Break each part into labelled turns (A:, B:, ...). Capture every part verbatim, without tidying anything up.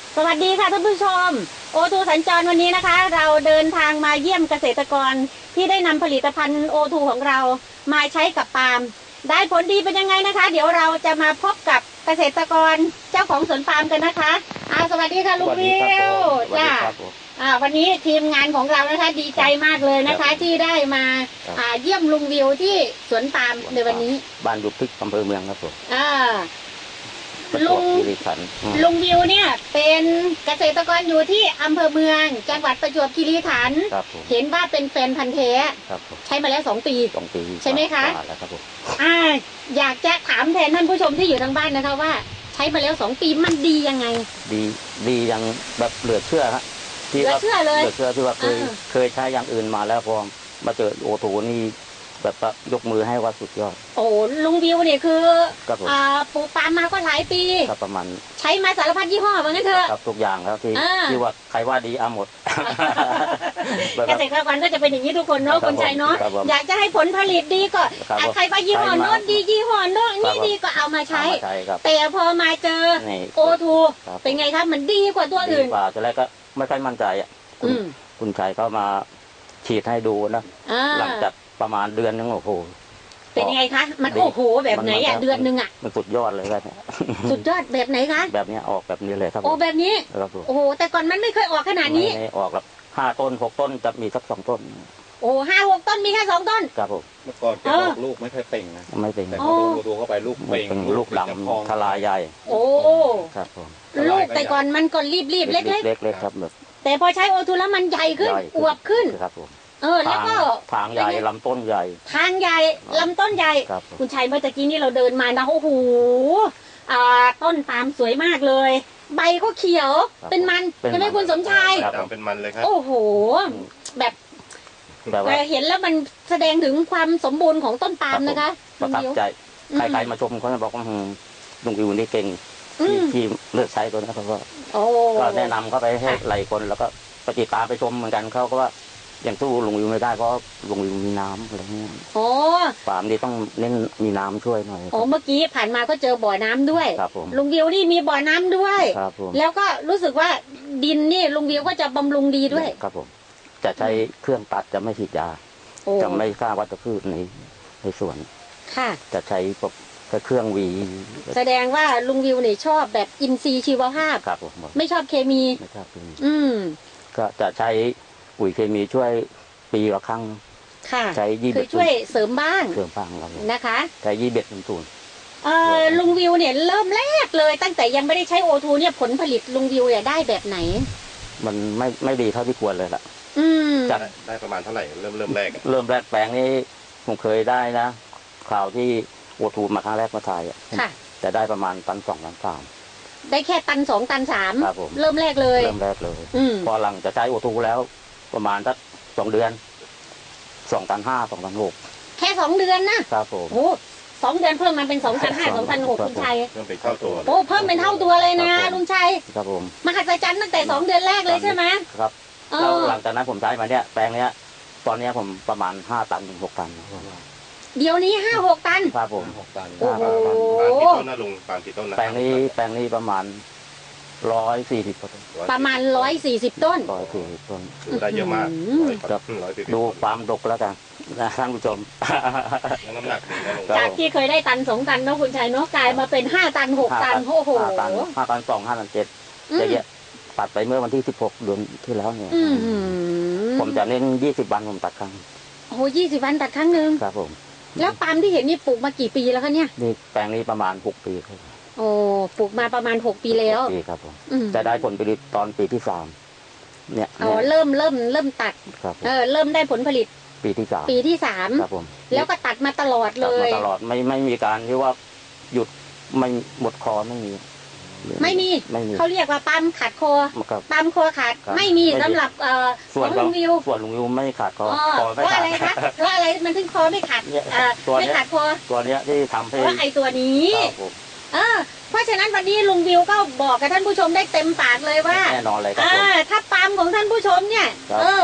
A: สวัสดีค่ะท่านผู้ชมโอทูสัญจรวันนี้นะคะเราเดินทางมาเยี่ยมเกษตรกรที่ได้นำผลิตภัณฑ์โอทูของเรามาใช้กับปาล์มได้ผลดีเป็นยังไงนะคะเดี๋ยวเราจะมาพบกับเกษตรกรเจ้าของสวนปาล์มกันนะคะอ่าสวัสดีค่ะลุงวิวจ้าอ่าวันนี้ทีมงานของเรานะคะดีใจมากเลยนะคะที่ได้มาอ่าเยี่ยมลุงวิวที่สวนปาล์มในวันนี้
B: บ้านดุพริกอำเภอเมืองครับผม
A: อ่าลุงลุงวิวเนี่ยเป็นเกษตรกรอยู่ที่อำเภอเมืองจังหวัดประจวบคีรีขันธ์เห็นว่าเป็นแฟนพันธุ์แท้ใช้มาแล้วสองปี
B: สองปี
A: ใช่ไหมคะอ่าอยากจะถามแทนท่านผู้ชมที่อยู่ทางบ้านนะคะว่าใช้มาแล้วสองปีมันดียังไง
B: ดีดียังแบบเหลือเชื่อฮะ
A: เหลือเชื่อเลย
B: เหลือเชื่อที่ว่าเคยเคยใช้อย่างอื่นมาแล้วพอมาเจอโอทูนี่แบบยกมือให้ว่าสุดยอด
A: โอ้ลุงวิวเนี่ยคืออ่าปลูกปาล์มมาก็หลายปี
B: ครับประมาณ
A: ใช้มาสารพัดยี่ห้อว่างั้นเถอะ
B: ครับทุกอย่างครับที่ที่ว่าใครว่าดีเอาหมด
A: เกษตรกรก็จะเป็นอย่างนี้ทุกคนเนาะคนใจเนาะอยากจะให้ผลผลิตดีก็ใครว่ายี่ห้อโน้นดียี่ห้อโน้นนี่ดีก็เอามาใช้แต่พอมาเจอโอทูเป็นไงครับมันดีกว่าตัวอื่น
B: ดีกว่าแต่แรกก็ไม่ค่อยมั่นใจอ่ะคุณคุณชัยเขามาฉีดให้ดูนะหลังจากประมาณเดือนนึงโอ้โห
A: เป็นยังไงคะมันโอ้โหแบบไหนอ่ะเดือนนึงอ่ะ
B: มันสุดยอดเลยครับ
A: สุดยอดแบบไหนคะ
B: แบบนี้ออกแบบนี้เลยครับ
A: โอ้แบบนี้โอ้โหแต่ก่อนมันไม่เคยออกขนาดนี้
B: ไม่ออกแบบห้าต้นหกต้นจะมีสักสองต้น
A: โอ้ห้าหกต้นมีแค่สองต้น
B: ครับผม
C: เมื่อก่อนจะออกลูกไม่ค่อยเป่งนะ
B: ไม่เป่ง
C: แต่พอโดนตัวเข้าไปลูกเป่ง
B: ลูกดำทลายใหญ่
A: โอ้
B: ครับผม
A: ลูกแต่ก่อนมันก็รีบรีบเล็ก
B: เล็กเล็กครับแบบ
A: แต่พอใช้โอทูแล้วมันใหญ่ขึ้นอวบขึ้น
B: ครับผม
A: เออแล้วก็
B: ทางใหญ่ลำต้นใหญ่
A: ทางใหญ่ลำต้นใหญ่คุณชัยเมื่อกี้นี้เราเดินมานะโอ้โหอ่าต้นปาล์มสวยมากเลยใบก็เขียวเป็นมันใช่ไหมคุณสมชาย
C: เป็นมันเลยครับ
A: โอ้โหแบบเห็นแล้วมันแสดงถึงความสมบูรณ์ของต้นปาล์มนะคะ
B: ประทับใจใครๆมาชมเขาจะบอกว่าลุงวิวนี่เก่งที่เลือกใช้ตัวนี้เขาก็ก็แนะนำเขาไปให้หลายคนแล้วก็ปฏิตามไปชมเหมือนกันเขาก็ว่าอย่างตู้ลุงวิวไม่ได้เพราะลุงวิวมีน้ำอะไรเงี้ย
A: โอ้
B: ปาล์มนี่ต้องเน้นมีน้ำช่วยหน่อย
A: โอ้เมื่อกี้ผ่านมาก็เจอบ่อน้ำด้วย
B: ครับผม
A: ลุงวิวนี่มีบ่อน้ำด้วย
B: ครับผม
A: แล้วก็รู้สึกว่าดินนี่ลุงวิวก็จะบำรุงดีด้วย
B: ครับผมจะใช้เครื่องตัดจะไม่ฉีดยาจะไม่ฆ่าวัชพืชในในสวน
A: ค่ะ
B: จะใช้พวกเครื่องวี
A: แสดงว่าลุงวิวเนี่ยชอบแบบอินทรีย์ชีวภาพ
B: ครับผม
A: ไม่ชอบเคมี
B: ไม่ชอบเคมี
A: อืม
B: ก็จะใช้ปุ๋ยเคมีช่วยปีละครั้ง
A: ค่ะ
B: ใช้ยี่
A: คือช่วยเสริมบ้าง
B: เสริมบ้างครับ
A: นะคะ
B: ใช้ยี่เบ็ดเป็นศูนย์
A: เอ่อลุงวิวเนี่ยเริ่มแรกเลยตั้งแต่ยังไม่ได้ใช้โอทูเนี่ยผลผลิตลุงวิวเนี่ยได้แบบไหน
B: มันไม่ไม่ดีเท่าที่ควรเลยล่ะ
A: อืม
C: จะได้ประมาณเท่าไหร่เริ่มเริ่มแรก
B: เริ่มแรกแปลงนี้ผมเคยได้นะข่าวที่โอทูมาครั้งแรกมาถ่ายอ่ะแต่ได้ประมาณตันสองตันสาม
A: ได้แค่ตันสองตันสาม
B: ครับผม
A: เริ่มแรกเลย
B: เริ่มแรกเลยพอหลังจะใช้โอทูแล้วประมาณสักสองเดือนสองตันห้าสองตันหก
A: แค่สองเดือนนะครับ
B: ผม
A: โอ้สองเดือนเพิ่มมาเป็นสองตันห้าสองตันหกลุงชัย
C: เพิ่มเป็นเท่าตัว
A: โอ้เพิ่มเป็นเท่าตัวเลยนะลุงชัย
B: ครับผม
A: มหัศจรรย์ตั้งแต่สองเดือนแรกเลยใช่ไหม
B: ครับแล้วหลังจากนั้นผมใช้มาเนี่ยแปลงเนี้ยตอนนี้ผมประมาณห้าตันถึงหกตัน
A: เดี๋ยวนี้ห้าหกตัน
B: ครับผม
C: หกตัน
A: โอ้โห
C: ปาล์มกี่ต้นนะลุงปาล์มกี่ต้นนะ
B: แปลงนี้แปลงนี้ประมาณร้อยสี่สิบต้น
A: ประมาณร้อยสี่สิบต้น
B: ร้อยสี่สิบต้น
C: ดูได้เยอะมาก
B: ดูความดกแล้วกันนะท่านผู้ชม
C: น้ำหนัก
A: จากที่เคยได้ตันสองตันเนาะคุณชัยเนาะกลายมาเป็นห้าตันหกตันโอ้โห
B: ห้าตันห้าตันสองห้าตันเจ็ดจะเยอะตัดไปเมื่อวันที่สิบหกเดือนที่แล้วเนี่ยผมจะเน้นยี่สิบวันผมตัดครั้ง
A: โอ้ยี่สิบวันตัดครั้งหนึ่ง
B: ครับผม
A: แล้วปาล์มที่เห็นนี่ปลูกมากี่ปีแล้วคะเนี่ย
B: นี่แปลงนี้ประมาณหกปีครับ
A: โอ้ปลูกมาประมาณหกปีแล้ว
B: ปีครับผมจะได้ผลผลิตตอนปีที่สามเนี่ย
A: อ๋อเริ่มเริ่มเริ่มตัดเออเริ่มได้ผลผลิต
B: ปีที่สาม
A: ปีที่สาม
B: ครับผม
A: แล้วก็ตัดมาตลอดเลย
B: ตัดมาตลอดไม่ไม่มีการที่ว่าหยุดไม่หมดคอไม่มี
A: ไม่มีเขาเรียกว่าปั๊มขาดคอปั๊มคอขาดไม่มีสำหรับเอ่อ
B: ส่วนลุงวิวส่วนลุงวิวไม่ขาดคอ
A: เพราะอะไรคะเพราะอะไรมันถึงคอไม่ขาดไม่ขาดคอ
B: ตัวนี้ที่ทำให้
A: เพราะไอ้ตัวนี้เออเพราะฉะนั้นวันนี้ลุงวิวก็บอกกับท่านผู้ชมได้เต็มปากเลยว่า
B: แน่นอนเลย
A: ครับถ้าปั๊มของท่านผู้ชมเนี่ยเออ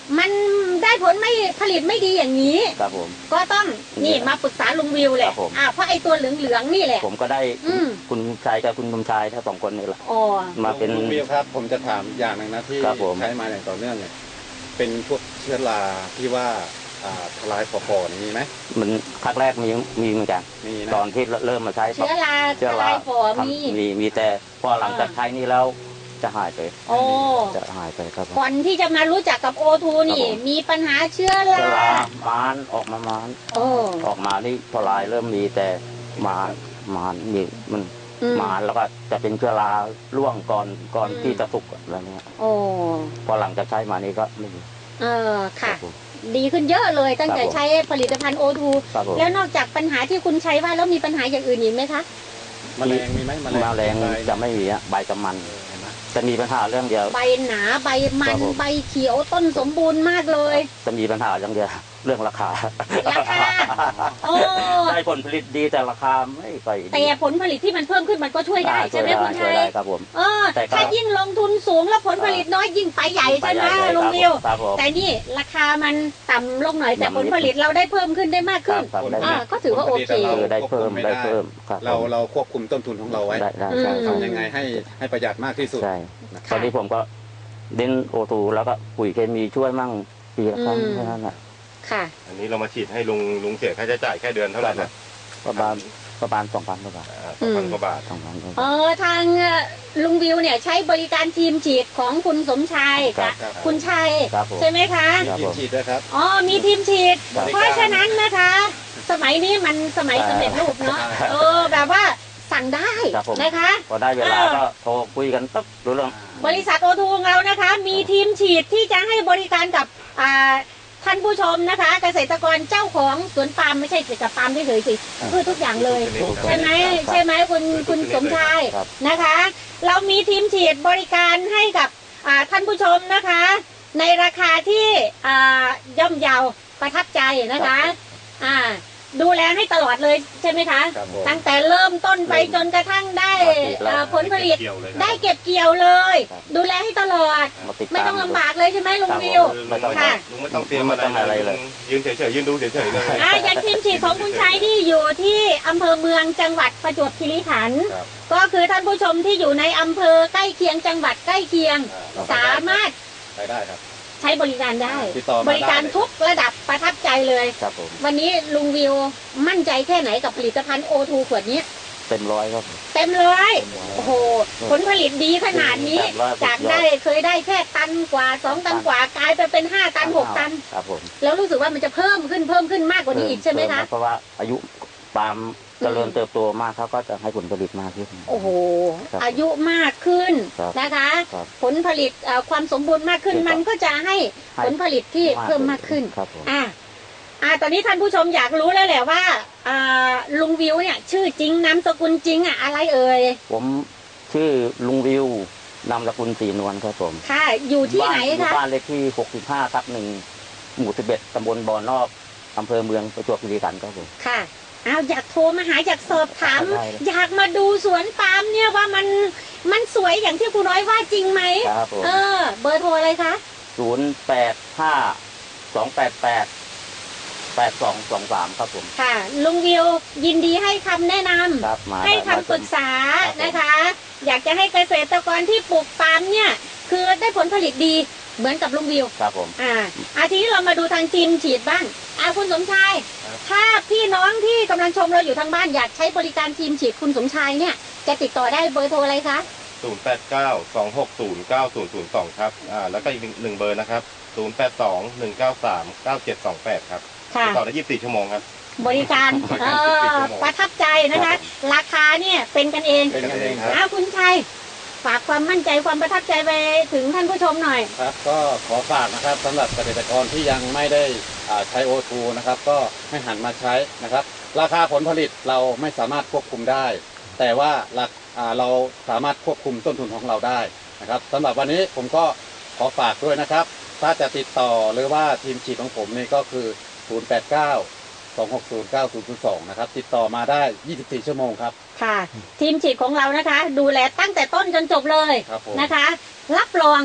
A: มันได้ผลไม่ผลิตไม่ดีอย่างนี้
B: ครับผม
A: ก็ต้องนี่มาปรึกษาลุงวิวแหละ
B: ครับผม
A: อ่าเพราะไอ้ตัวเหลืองๆนี่แหละ
B: ผมก็ได้
A: อืม
B: คุณชายกับคุณสมชายทั้งสองคนนี่แหละ
A: อ๋อ
B: มาเป็น
D: ลุงวิวครับ ผมจะถามอย่างหนึ่งนะที่
B: ครับผม
D: ใช้มาอย่างต่อเนื่องเนี่ยเป็นพวกเชื้อราที่ว่าอ่าทลายปอๆนี่มีไหม
B: มันครั้งแรกมีมีเหมือนกัน
D: มีนะ
B: ตอนที่เริ่มมาใช้
A: เชื้อรา
B: เชื้อ
A: ท
B: รา
A: ลายฝอ
B: ครับ
A: มี
B: มีมีแต่พอหลังจากใช้นี่แล้วจะหายไป
A: โอ้
B: จะหายไปครับผม
A: ก่อนที่จะมารู้จักกับโอทูนี่
B: ครับผม
A: มีปัญหาเชื้อ
B: เชื้อ
A: รา
B: รามานออกมามาน
A: โอ้
B: ออกมานี่ทลายเริ่มมีแต่มานมานมีมัน
A: อืม
B: มานแล้วก็จะเป็นเชื้อราร่วงก่อนก่อน
A: อืม
B: ที่จะสุกอะไรเงี้ย
A: โอ้
B: พอหลังจากใช้มานี่ก็ไม่มี
A: เออค่ะ
B: รับผม
A: ดีขึ้นเยอะเลยตั้งแต่
B: ครับผม
A: ใช้ผลิตภัณฑ์โอทู
B: ครับผม
A: แล้วนอกจากปัญหาที่คุณใช้ว่าแล้วมีปัญหาอย่างอื่นอีกไหมคะ
D: แมลงมีไหมแมลง
B: แมลง
D: ใบ
B: จะไม่มีอะใบจะมัน
D: เห็นไหม
B: จะมีปัญหาเรื่องเดียว
A: ใบหนาใบมั
B: ครั
A: น
B: บผม
A: ใบเขียวต้นสมบูรณ์มากเลย
B: จะมีปัญหาเรื่องเดียวเรื่องราคา
A: ราคา โอ้
B: ได้ผลผลิตดีแต่ราคาไม่ค่อยดี
A: แต่ผลผลิตที่มันเพิ่มขึ้นมันก็ช่วยได้
B: อ่า
A: ใช่ไหมคุณ
B: ช่
A: ชั
B: วย
A: ย
B: ได้ครับผม
A: เออ
B: แต่ก็
A: ถ้ายิ่งลงทุนสูงแล้วผลผลิตน้อยยิ่งไปใหญ่ใช่ไหม
B: ไปใญ่
A: ลุง
B: ครับ
A: วิว
B: ครับผม
A: แต่นี่ราคามันต่ำลงหน่อยแต่
B: ต่ำนิด
A: ผลผลิตเราได้เพิ่มขึ้นได้มากขึ้น
B: ครับได้
A: อ่าก็ถือว่าโอเค
B: เออได้เพิ่มได้เพิ่มครับ
D: เรา
B: ผม
D: เราควบคุมต้นทุนของเราไว้
B: ได้ได้
A: อืม
B: ใช่ครับ
D: ทำยังไงให้ให้ประหยัดมากที่สุด
B: ใช่
D: นะค
B: ต
D: รั
B: อบ นนี้ผมก็เน้นโอทูแล้วก็ปุ๋ยเคมีช่วยมั่งปีละครั้ง
A: อืม
B: แค่นั้นแหละ
A: ค่ะ
C: อันนี้เรามาฉีดให้ลุงลุงเสียค่าใช้จ่ายแค่เดือนเท่าไหร่นะ
B: ประมาณประมาณสองพันกว่าบาท
C: สองพันกว่าบาท
B: สองพันกว่า
A: เอบ
B: าท
A: อทางลุงวิวเนี่ยใช้บริการทีมฉีดของคุณสมชาย
B: ครั
A: กับบ
D: ครับ
A: คุณชัย
B: ครับผม
A: ใช่ไหมคะ
B: ครับ
D: ทีมฉีดด้วยครับ
A: อ๋อมีทีมฉีด
B: ครับ
A: เพราะฉะนั้นนะคะ สมัยนี้มันสมัยสำเร็จรูปเนาะ
D: ครับ
A: เออแบบว่าสั่งได้
B: ครับผม
A: นะคะ
B: พอได้เวลา
A: เออ
B: ก็โทรคุยกันปั๊บรู้เรื่อง
A: บริษัทโอทูของเรานะคะ มีทีมฉีดที่จะให้บริการกับอ่าท่านผู้ชมนะคะ เกษตรกรเจ้าของสวนปาล์มไม่ใช่แต่ปาล์มเฉยๆสิพืชทุกอย่างเลย ใช่ไหมใช่ไหมคุณคุณสมชาย
B: ครับ
A: นะคะ เรามีทีมฉีดบริการให้กับอ่าท่านผู้ชมนะคะ ในราคาที่อ่าย่อมเยาประทับใจนะคะอ่าดูแลให้ตลอดเลยใช่ไหมคะ
D: ครับผม
A: ตั้งแต่เริ่มต้นไปจนกระทั่งได้เอ่อผลผลิต
C: เกี่ยวเลยครับ
A: ได้เก็บเกี่ยวเลย
B: ครับ
A: ดูแลให้ตลอด
B: มาติด
A: ไม่
B: ตาม
A: ต้องลำบากเลยใช่ไหมลุงวิว
C: ลุงไม่ต้อง
A: ค่ะ
C: ลุงไม่ต้องเตรียม
B: ไม่ต้อง
C: อะ
B: อะไร ไร
C: เล
B: เลย ย
C: ยืนเฉยๆยืนดูเฉยๆเลย
A: อ่าอย่างทีมฉีดของคุณชัยที่อยู่ที่อำเภอเมืองจังหวัดประจวบคีรีขันธ์
D: ครับ
A: ก็คือท่านผู้ชมที่อยู่ในอำเภอใกล้เคียงจังหวัดใกล้เคียง
D: อ่
A: สามารถ
D: ไปได้ครับ
A: ใช้บริการได้
D: ติดต่อมา
A: บริการ
D: ได้เลย
A: ทุกระดับประทับใจเลย
B: ครับผม
A: วันนี้ลุงวิวมั่นใจแค่ไหนกับผลิตภัณฑ์โอทูขวดนี้
B: เต็มร้อยครับ
A: เต็มเลย
B: เต็มร้อย
A: โอ้โหผลผลิตดีขนาดนี้
B: ครับว่า
A: จากได้เคยได้แค่ตันกว่าสองตันกว่ากลายไปเป็นห้าตันหกตัน
B: ครับผม
A: แล้วรู้สึกว่ามันจะเพิ่มขึ้นเพิ่มขึ้นมากกว่านี้อีกใช่ไหมคะ
B: เพราะว่าอายุปาล์มเจริญเติบโตมากเขาก็จะให้ผลผลิตมากขึ้น
A: โอ้โห
B: ครับ
A: อายุมากขึ้น
B: ครับ
A: นะคะ
B: ครับ
A: ผลผลิตเอ่อความสมบูรณ์มากขึ้น
B: ครับ
A: มันก็จะให้
B: ให้
A: ผลผลิตที่เพิ่มมากขึ้น
B: ครับผม
A: อ่าอ่าตอนนี้ท่านผู้ชมอยากรู้แล้วแหละว่าอ่าลุงวิวเนี่ย ชื่อจริงนามสกุลจริงอ่ะอะไรเอ่ย
B: ผมชื่อลุงวิวนามสกุลศรีนวลครับผม
A: ค่ะ อยู่ที่ไหน
B: บ้าอยู่
A: คะ
B: บ้านเลขที่หกสิบห้าทับหนึ่งหมู่สิบเอ็ดตำบลบ่อนอกอำเภอเมืองประจวบคีรีขันธ์ครับผม
A: ค่ะอ้าวอยากโทรมาหาอยากสอบถาม
B: ได้เลย
A: อยากมาดูสวนปาล์มเนี่ยว่ามันมันสวยอย่างที่ครูน้อยว่าจริงไหม
B: ครับผม
A: เออ เบอร์โทรอะไรคะ
B: ศูนย์แปดห้าสองแปดแปดแปดสองสองสามครับผม
A: ค่ะ ลุงวิวยินดีให้คำแนะนำ
B: ครับมา
A: ให้
B: ได้
A: คำปรึกษา
B: ครับผม
A: นะคะ อยากจะให้เกษตรกรที่ปลูกปาล์มเนี่ย คือได้ผลผลิตดีเหมือนกับลุงวิว
B: ครับผม
A: อ่าอาทีนี้เรามาดูทางทีมฉีดบ้างอ่าคุณสมชาย ถ้าพี่น้องที่กำลังชมเราอยู่ทางบ้านอยากใช้บริการทีมฉีดคุณสมชายเนี่ย จะติดต่อได้เบอร์โทรอะไรคะ
C: ศูนย์แปดเก้าสองหกศูนย์เก้าศูนย์ศูนย์สองครับอ่าแล้วก็อีกหนึ่งเบอร์นะครับศูนย์แปดสองหนึ่งเก้าสามเก้าเจ็ดสองแปดครับ
A: ค่ะ
C: ติดต่อได้ยี่สิบสี่ชั่วโมงครับ
A: บริการเอ่อประทับใจนะคะ ราคาเนี่ยเป็นกันเอง
D: เป็นกันเองครับ
A: อ้าวคุณชัยฝากความมั่นใจความประทับใจไปถึงท่านผู้ชมหน่อย
D: ครับก็ขอฝากนะครับสำหรับเกษตรกรที่ยังไม่ได้อ่าใช้โอทูนะครับ ก็ให้หันมาใช้นะครับ ราคาผลผลิตเราไม่สามารถควบคุมได้ แต่ว่าหลักอ่าเราสามารถควบคุมต้นทุนของเราได้นะครับสำหรับวันนี้ผมก็ขอฝากด้วยนะครับ ถ้าจะติดต่อหรือว่าทีมฉีดของผมนี่ก็คือ ศูนย์ แปด เก้า สอง หก ศูนย์ เก้า ศูนย์ ศูนย์ สอง นะครับ ติดต่อมาได้ ยี่สิบสี่ ชั่วโมงครับ
A: ค่ะ ทีมฉีดของเรานะคะ ดูแลตั้งแต่ต้นจนจบเลย
D: ครับผม
A: นะคะ รับรอง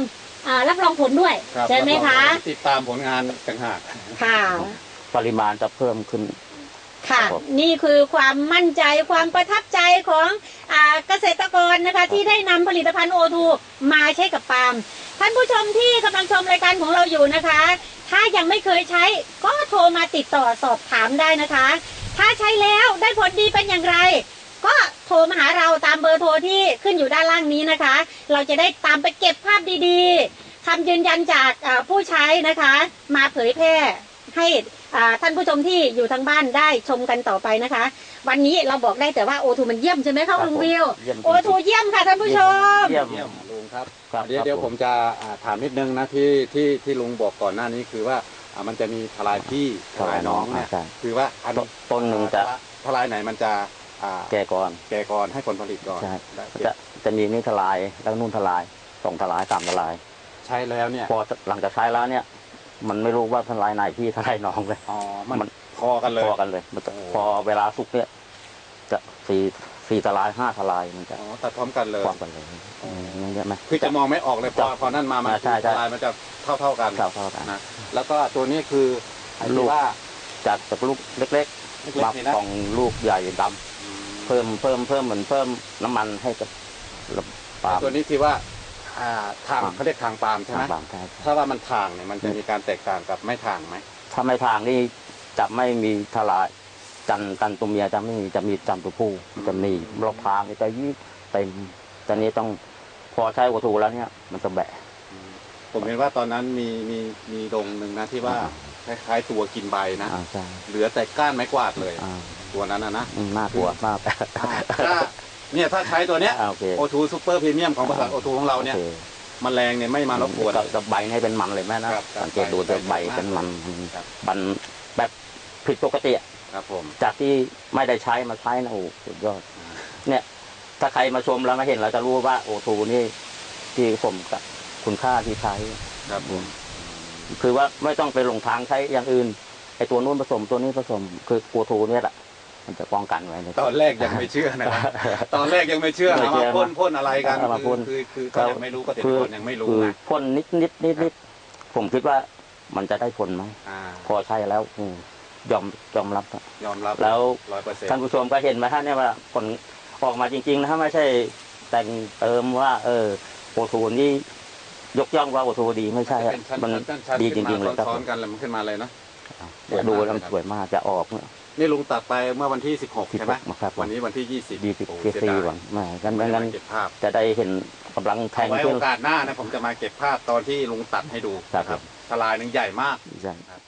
A: อ่ารับรองผลด้วย
D: รับ
A: ใช่ไหมคะ
D: ติดตามผลงานต่างหาก
A: ค่ะ
B: ปริมาณจะเพิ่มขึ้น
A: ค่ะ
B: ครับ
A: นี่คือความมั่นใจความประทับใจของอ่าเกษตรกรนะคะที่ได้นำผลิตภัณฑ์โอทูมาใช้กับปาล์มท่านผู้ชมที่กำลังชมรายการของเราอยู่นะคะ ถ้ายังไม่เคยใช้ก็โทรมาติดต่อสอบถามได้นะคะ ถ้าใช้แล้วได้ผลดีเป็นอย่างไร ก็โทรมาหาเราตามเบอร์โทรที่ขึ้นอยู่ด้านล่างนี้นะคะ เราจะได้ตามไปเก็บภาพดีๆคำยืนยันจากอ่าผู้ใช้นะคะ มาเผยแพร่ให้อ่าท่านผู้ชมที่อยู่ทางบ้านได้ชมกันต่อไปนะคะ วันนี้เราบอกได้แต่ว่าโอทูมันเยี่ยมใช่ไหมคะลุงวิว
B: เยี่ยมจริงๆ
A: โอทูเยี่ยมค่ะท่านผู้ชม
B: เยี่ยม
D: เยี่ยมลุงครับ
B: ครับ
D: เดี๋ยว
B: ครับ
D: เดี๋ยวผมจะอ่าถามนิดนึงนะที่ที่ที่ลุงบอกก่อนหน้านี้คือว่าอ่ามันจะมีทลายพี่ทลายน้องเนี่ย
B: ใช่
D: คือว่าอัน
B: ต้นหนึ่งจะ
D: ทลายไหนมันจะอ่า
B: แก่ก่อน
D: แก่ก่อนให้ผลผลิตก่อน
B: ใช่
D: ได้
B: จะจะมีนี่ทลายแล้วนู่นทลายสองทลายสามทลาย
D: ใช้แล้วเนี่ย
B: พอหลังจากใช้แล้วเนี่ย มันไม่รู้ว่าทลายไหนพี่ทลายน้องเลย
D: อ๋อมัน
B: มัน
D: พอกันเลย
B: พอกันเลยมันจะ
D: โอ้
B: พอเวลาสุกเนี่ย จะสี่สี่ทลายห้าทลายมันจะ
D: อ๋อตัดพร้อมกันเลย
B: พร้อมกันเลยอืมมันเยอะไหม
D: คือจะมองไม่ออกเลยพอพอนั่นมามัน
B: อ่าใช่ใช่
D: ทลายมันจะเท่าเท่าๆกัน
B: เท่าเท่ากัน
D: นะแล้วก็ตัวนี้คือไอ้
B: ลู
D: ที่
B: ก
D: ว่า
B: จากจากลูกเล็ก
D: เล็
B: ๆ
D: ก
B: มา
D: ๆนี่นะ
B: สองลูกใหญ่ดำเพิ่มเพิ่มเพิ่มเหมือนเพิ่มน้ำมันให้กับปาล์ม
D: ตัวนี้ที่ว่าอ่าทาง
B: ปาล์ม
D: เขาเรียกทางปาล์มใช่ไหม
B: ปาล์มใช่
D: ถ้าว่ามันทางเนี่ยมันจะมีการแตกต่างกับไม่ทางไหม
B: ถ้าไม่ทางนี่จะไม่มีทลายจันจันตัวเมียจะไม่มีจะมีจันตัวผู้จะมีรอบทางนี่จะยิ่งเต็มตอนนี้ต้องพอใช้วัตถุแล้วเนี่ย มันจะแบะ
D: ผมเห็นว่าตอนนั้นมีมีมีดงหนึ่งนะที่ว่าคล้ายๆตัวกินใบนะ
B: อ่าใช่
D: เหลือแต่ก้านไม้กวาดเลย
B: อ่า
D: ตัวนั้นนะนะ
B: อืมน่ากลัวมาก
D: ถ้าเนี่ยถ้าใช้ตัวเนี้ย
B: อ่าโอเค
D: โอทูซูเปอร์พรีเมียมของบริษัทโอทูของเราเนี่ย
B: โอค
D: แมลงเนี่ยไม่มารบกวน
B: จะใบให้เป็นมันเลยแม่นะครับ สังเกตดู
D: ใบ
B: จะใบ
D: ใบ
B: เป็นมัน
D: ครับ
B: มันแบบผิดปกติอะ
D: ครับผม
B: จากที่ไม่ได้ใช้มาใช้นะโอ้โหสุดยอดเนี่ย ถ้าใครมาชมแล้วมาเห็นเราจะรู้ว่าโอทูนี่ที่สมกับคุณค่าที่ใช้
D: ครับผม
B: คือว่าไม่ต้องไปหลงทางใช้อย่างอื่นไอตัวนู้นผสมตัวนี้ผสมคือโอทูเนี่ยแหละมันจะป้องกันไว้ใน
D: ตอนแรกยังไม่เชื่อนะครับตอนแรกยังไม่เชื่อ
B: ไม่
D: นะ
B: เชื่
D: ว่า
B: อ
D: พ่นพ่นอะไรกัน
B: เอามาพ่น
D: คือคือคือก็ยังไม่รู้เกษตรกรยังไม่รู้
B: คือ
D: นะ
B: พ่นนิดนิดนิดนิดผมคิดว่ามันจะได้ผลไหม
D: อ่า
B: พอใช้แล้วอืมยอมยอมรับอะ
D: ยอมรับ
B: แล้ว
D: ร้อยเปอร์เซ็นต์
B: ท่านผู้ชมก็เห็นไหมฮะเนี่ยว่าผลออกมาจริงๆนะฮะไม่ใช่แต่งเติมว่า เออโอทูนี่ยกย่องว่าโอทูดีไม่ใช่อะ
D: เป็นชั้น
B: มัน
D: ชั้นชั้น
B: ดีจ
D: ขึ้น
B: ริงๆเลย
D: มา
B: ครับ
D: ซ้อนๆกันแล้วมันขึ้นมาเลยนะ
B: เดี๋ยวดูแล้วมันสวยมากจะออกเนี่ย
D: นี่ลุงตัดไปเมื่อวันที่สิบหกใช่ไหม
B: ครับ
D: วันนี้วันที่ยี่สิบ
B: ดีสิบ
D: โอ้
B: เกีย
D: เสีย
B: ซี
D: ดาย
B: ก่อนไม่งั้น
D: ไม่
B: ไม่
D: ได้
B: งั้น
D: มาเก็บภาพ
B: จะได้เห็นกำลังแทง
D: เอาไว้
B: ขึ้
D: โอน กาสหน้านะผมจะมาเก็บภาพตอนที่ลุงตัดให้ดู
B: ครับ
D: นะครับทลายหนึ่งใหญ่มาก
B: ใช่
D: ครับ